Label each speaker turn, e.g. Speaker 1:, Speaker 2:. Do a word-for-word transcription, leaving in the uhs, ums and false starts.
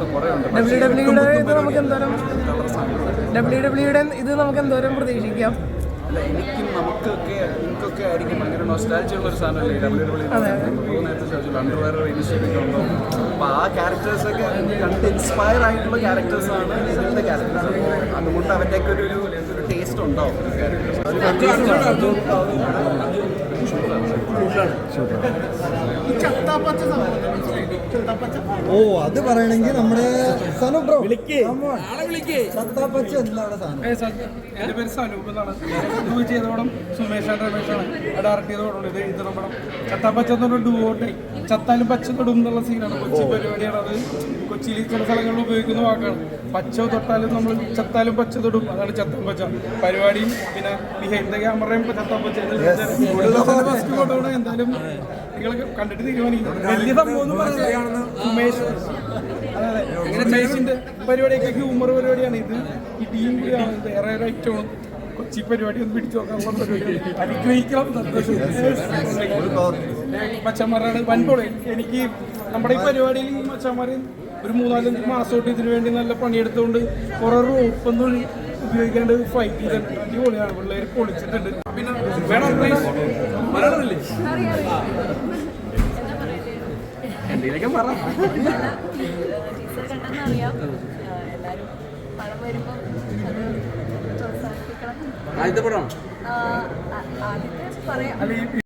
Speaker 1: W ഡബ്ല്യുയുടെ ഇത് നമുക്ക് എന്തോരം ഡബ്ല്യു ഡബ്ല്യുയുടെ ഇത് നമുക്ക് എന്തോരം പ്രതീക്ഷിക്കാം?
Speaker 2: അല്ല, എനിക്കും നമുക്കൊക്കെ എനിക്കൊക്കെ ആയിരിക്കും ഭയങ്കര നൊസ്റ്റാൾജിയ ഉള്ള ഒരു സാധനമല്ലേ ഡബ്ല്യു ഡബ്ല്യു നേരത്തെ ചോദിച്ചു അണ്ടർവെയർ ഇനിഷ്യേറ്റീവ് ഉണ്ടോ. അപ്പോൾ ആ ക്യാരക്ടേഴ്സൊക്കെ കണ്ട് ഇൻസ്പയർ ആയിട്ടുള്ള ക്യാരക്ടേഴ്സാണ് ഇതിൻ്റെ ക്യാരക്ടേഴ്സ്. അപ്പോൾ അതുകൊണ്ട് അവൻ്റെയൊക്കെ ഒരു ഒരു ടേസ്റ്റ് ഉണ്ടാവും
Speaker 3: ഓ അത് പറയണെങ്കിൽ നമ്മുടെ സനു ബ്രോ ചത്താപ്പച്ച എന്താണ് സാധനം?
Speaker 4: എൻ്റെ പേര് സനൂപ് എന്നാണ്. ഡൂ ചെയ്ത പടം സുമേഷാണ് രമേഷാണ് ഡയറക്ട് ചെയ്ത പടം. ഇത് എഴുതുന്ന പടം ചത്താപ്പച്ച എന്ന് പറഞ്ഞ ഡുവോട്ടെ ചത്താലും പച്ച തൊടും എന്നുള്ള സീനാണ്. കൊച്ചി പരിപാടിയാണ് അത്. കൊച്ചിയിൽ ചില സ്ഥലങ്ങളിൽ ഉപയോഗിക്കുന്ന വാക്കാണ്. പച്ച തൊട്ടാലും നമ്മൾ ചത്താലും പച്ച തൊടും, അതാണ് ചത്താൻ പച്ച പരിപാടിയും. പിന്നെ ബിഹൈൻഡ് ദ ക്യാമറയും ചത്താൻ പച്ച ഫസ്റ്റ് ഫോട്ടോണ്. എന്തായാലും നിങ്ങൾ കണ്ടിട്ട് തീരുമാനിക്കും. വലിയ സംഭവം എന്ന് പറഞ്ഞാൽ സുമേഷ് അതെ അതെ സുമേഷിന്റെ പരിപാടിയൊക്കെ ഹ്യൂമർ പരിപാടിയാണ് ഇത്. ഈ ടീം കൂടിയാണ് വേറെ ഒരു ഐറ്റമാണ്. കൊച്ചി പരിപാടി ഒന്ന് പിടിച്ചു നോക്കാനുള്ള പരിപാടിയാണ്. അനുഗ്രഹിക്കണം. മച്ചന്മാരാണ് വൻപോളെ. എനിക്ക് നമ്മുടെ ഈ പരിപാടിയിൽ മച്ചന്മാർ ഒരു മൂന്നാലഞ്ച് മാസമായിട്ട് ഇതിനു വേണ്ടി നല്ല പണിയെടുത്തുകൊണ്ട് കുറേ റോപ്പൊന്നും ഉപയോഗിക്കാണ്ട് ഫൈറ്റ് ചെയ്തിട്ടുണ്ട്. അടിപൊളിയാണ്. പിള്ളേർ പൊളിച്ചിട്ടുണ്ട്. പിന്നെ വേണം മലയാളമല്ലേ എന്തെങ്കിലൊക്കെ പറ.
Speaker 5: ആദ്യത്തെ പടം